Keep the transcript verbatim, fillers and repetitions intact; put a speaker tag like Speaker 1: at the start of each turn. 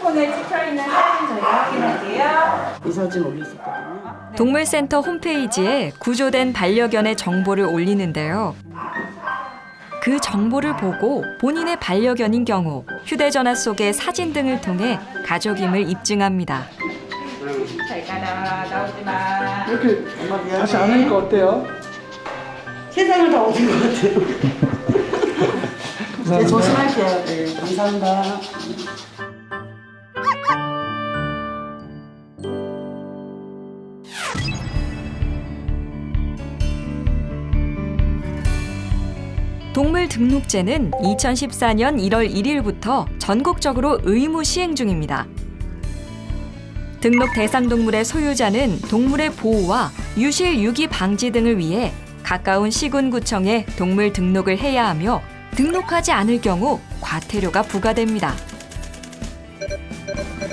Speaker 1: 핸드폰에 찍혀있는 사진 저희가 확인할게요.
Speaker 2: 이 사진 올렸었거든요.
Speaker 3: 동물센터 홈페이지에 구조된 반려견의 정보를 올리는데요. 그 정보를 보고 본인의 반려견인 경우 휴대전화 속의 사진 등을 통해 가족임을 입증합니다.
Speaker 1: 잘 가라, 나오지 마.
Speaker 4: 이렇게 다시 안 하니까 어때요?
Speaker 2: 세상을 다 얻은 것 같아요. 네, 조심하셔야 돼요. 감사합니다.
Speaker 3: 동물 등록제는 이천십사 년 일월 일일부터 전국적으로 의무 시행 중입니다. 등록 대상 동물의 소유자는 동물의 보호와 유실 유기 방지 등을 위해 가까운 시군구청에 동물 등록을 해야 하며 등록하지 않을 경우 과태료가 부과됩니다.